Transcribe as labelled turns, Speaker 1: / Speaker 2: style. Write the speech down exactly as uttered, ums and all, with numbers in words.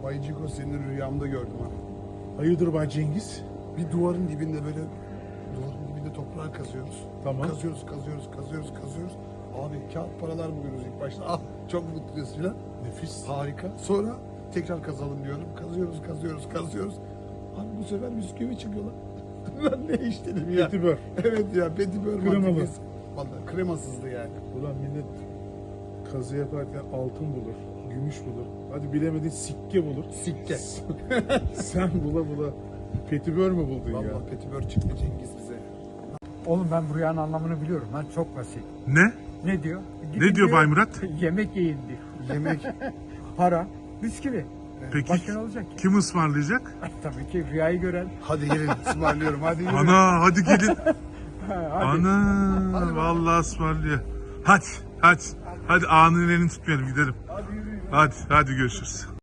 Speaker 1: Bay Ciko seni rüyamda gördüm ha.
Speaker 2: Hayırdır Bay Cengiz?
Speaker 1: Bir duvarın dibinde böyle duvarın dibinde toprağı kazıyoruz.
Speaker 2: Tamam.
Speaker 1: Kazıyoruz, kazıyoruz, kazıyoruz, kazıyoruz. Abi kağıt paralar buluyoruz ilk başta. Ah çok mutluyuz filan.
Speaker 2: Nefis.
Speaker 1: Harika. Sonra tekrar kazalım diyorum. Kazıyoruz, kazıyoruz, kazıyoruz. Abi bu sefer bisküvi çıkıyor lan. Ben ne iş dedim ya.
Speaker 2: Petibör.
Speaker 1: Evet ya petibör.
Speaker 2: Kremalı.
Speaker 1: mantıklısı. Vallahi kremasızdı yani.
Speaker 2: Ulan millet kazı yaparken altın bulur, gümüş bulur. Hadi bilemedin sikke bulur.
Speaker 1: Sikke.
Speaker 2: Sen bula bula petibör mü buldun ya?
Speaker 1: Vallahi petibör çıktı Cengiz bize.
Speaker 3: Oğlum ben bu rüyanın anlamını biliyorum lan, çok basit.
Speaker 4: Ne?
Speaker 3: Ne diyor?
Speaker 4: Ne diyor Bay Murat?
Speaker 3: Yemek yiyin diyor.
Speaker 1: Yemek.
Speaker 3: Para, bisküvi.
Speaker 4: Peki
Speaker 3: Başka ne olacak ki?
Speaker 4: kim ısmarlayacak?
Speaker 3: Tabii ki rüyayı gören.
Speaker 1: Hadi gelin ısmarlıyorum hadi yürü.
Speaker 4: Ana hadi gelin.
Speaker 3: Ha, hadi.
Speaker 4: Ana vallahi ısmarlıyor. Hadi hadi. Hadi anın elini tutmayalım gidelim. Hadi hadi görüşürüz.